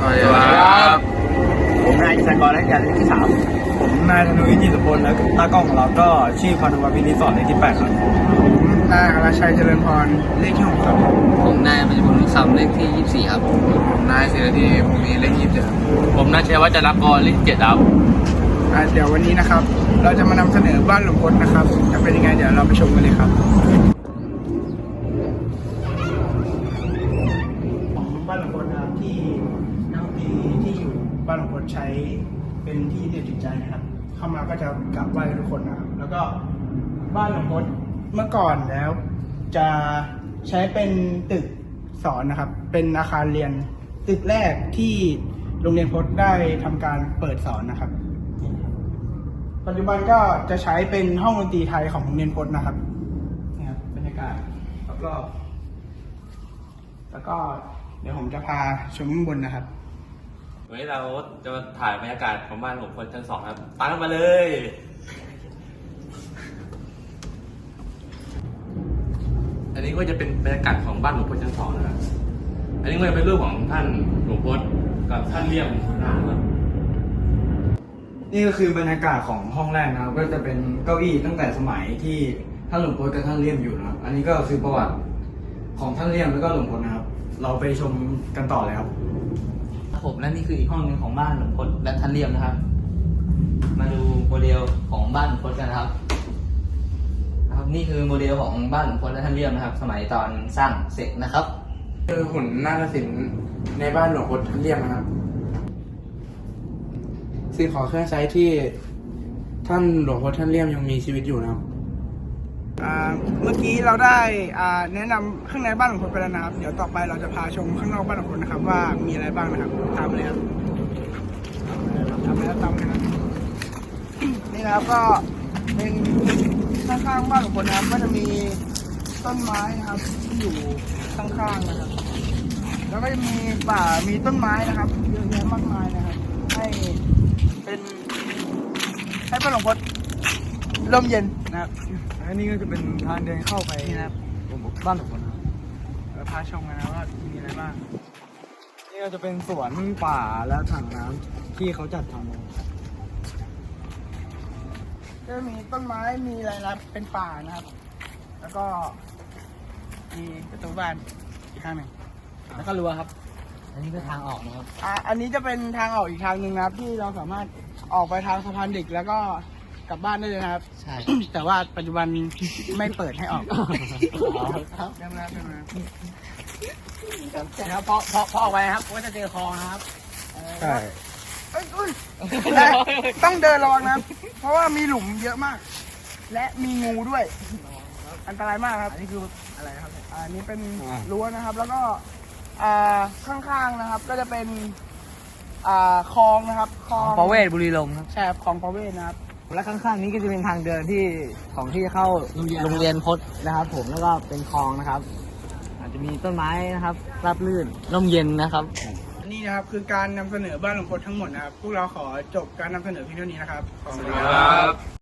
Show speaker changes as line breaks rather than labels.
สวัสดีครับ
ผมนายกิจกรและการเลขที่ 3
ผมนายธนุวิทย์จิตรพลและตากล้องของเราก็ชื่อพานุวัฒน์พินิจสอนเลขที่ 8 ครับ
นายอรชัยเจริญพรเลขที่ 6 ครับ
ผมนายปัญจพลนุคำเลขที่ 24 ครับผมนายศิรธีภูมิเลขที่ 27ผมนายชัยวัฒน์จรักกรเลขที่ 7 ครับ
เดี๋ยววันนี้นะครับ เราจะมานำเสนอบ้านหลวงพลนะครับจะเป็นยังไงเดี๋ยวเราไปชมกันเลยครับของบ้านหลวงพลนะครับที่นักดนตรีที่อยู่บ้านหลวงพลใช้เป็นที่เดียวจิตใจนะครับ เข้ามาก็จะกราบไหว้ทุกคนนะครับ แล้วก็บ้านหลวงพลเมื่อก่อนแล้วจะใช้เป็นตึกสอนนะครับ เป็นอาคารเรียนตึกแรกที่โรงเรียนพจน์ได้ทำการเปิดสอนนะครับ ปัจจุบันก็จะใช้เป็นห้องดนตรีไทยของโรงเรียนพจน์นะครับนี่ครับบรรยากาศรอบๆแล้วก็เดี๋ยวผมจะพาชมข้างบนนะครับ
วันนี้เราจะมาถ่ายบรรยากาศของบ้านหลวงพลชั้น 2ครับตามกันมาเลย อันนี้ก็จะเป็นบรรยากาศของบ้านหลวงพลชั้น 2นะครับ อันนี้ก็จะเป็นรูปของท่านหลวงพลกับท่านเลี่ยมนะครับ
นี่ก็คือบรรยากาศของห้องแรกนะครับ ก็จะเป็นเก้าอี้ตั้งแต่สมัยที่ท่านหลวงพลกับท่านเลี่ยมอยู่นะครับ อันนี้ก็คือประวัติของท่านเลี่ยมแล้วก็หลวงพลนะครับ เราไปชมกันต่อเลยครับ
ผมและนี่คืออีกห้องหนึ่งของบ้านหลวงพลและท่านเลี่ยมนะครับ มาดูโมเดลของบ้านหลวงพลกันนะครับ นี่คือโมเดลของบ้านหลวงพลและท่านเลี่ยมนะครับ สมัยตอนสร้างเสร็จนะครับ
คือหุ่นนาฏศิลป์ในบ้านหลวงพลท่านเลี่ยมนะครับสิ่งของเครื่องใช้ที่ท่านหลวงพลท่านเลี่ยมยังมีชีวิตอยู่นะครับ
เมื่อกี้เราได้แนะนำข้างในบ้านหลวงพลไปแล้วนะครับเดี๋ยวต่อไปเราจะพาชมข้างนอกบ้านหลวงพลนะครับว่ามีอะไรบ้างนะครับตามเลยครับตามเลยครับตามเลยครับนี่นะครับก็เป็นข้างๆบ้านหลวงพลนะครับก็จะมีต้นไม้นะครับที่อยู่ข้างๆนะครับแล้วก็จะมีป่ามีต้นไม้นะครับเยอะแยะมากมายนะครับให้บ้านหลวงพลร่มเย็นนะครับ
อันนี้ก็จะเป็นทางเดินเข้าไปนะครับบ้านหลวงพลนะครับ
เราพาชมกันนะว่ามีอะไรบ้าง
นี่ก็จะเป็นสวนป่าและถังน้ำที่เขาจัดทำนะครับ
ก็มีต้นไม้มีอะไรนะเป็นป่านะครับ แล้วก็มีประตูบ้านอีกข้างหนึ่งแล้วก็รั้วครับ
อันนี้ก็ทางออกนะครับ
อันนี้จะเป็นทางออกอีกทางหนึ่งนะครับ ที่เราสามารถออกไปทางสะพานเด็กแล้วก็กลับบ้านได้เลยนะครับ
ใช่
แต่ว่าปัจจุบันไม่เปิดให้ออกครับเดินมาครับพอออกไปครับก็จะเจอคลองนะครับ
ใช่
ต้องเดินระวังนะครับ เพราะว่ามีหลุมเยอะมาก และมีงูด้วย อันตรายมากครับ อันนี้คืออะไรครับอันนี้เป็นรั้วนะครับ แล้วก็ข้างๆนะครับ ก็จะเป็นคลองนะครับคลอง
ประเวศบุรีลมย์ครับ
ใช่ครับคลองประเวศนะครับ
และข้างๆนี้ก็จะเป็นทางเดินที่เข้าโรงเรียนพจน์นะครับ ผมแล้วก็เป็นคลองนะครับ อาจจะมีต้นไม้นะครับราบรื่นร่มเย็นนะครับ
นี่นะครับคือการนำเสนอบ้านหลวงพลทั้งหมดนะครับ พวกเราขอจบการนำเสนอเพียงเท่านี้นะครับ
สวัสดีครับ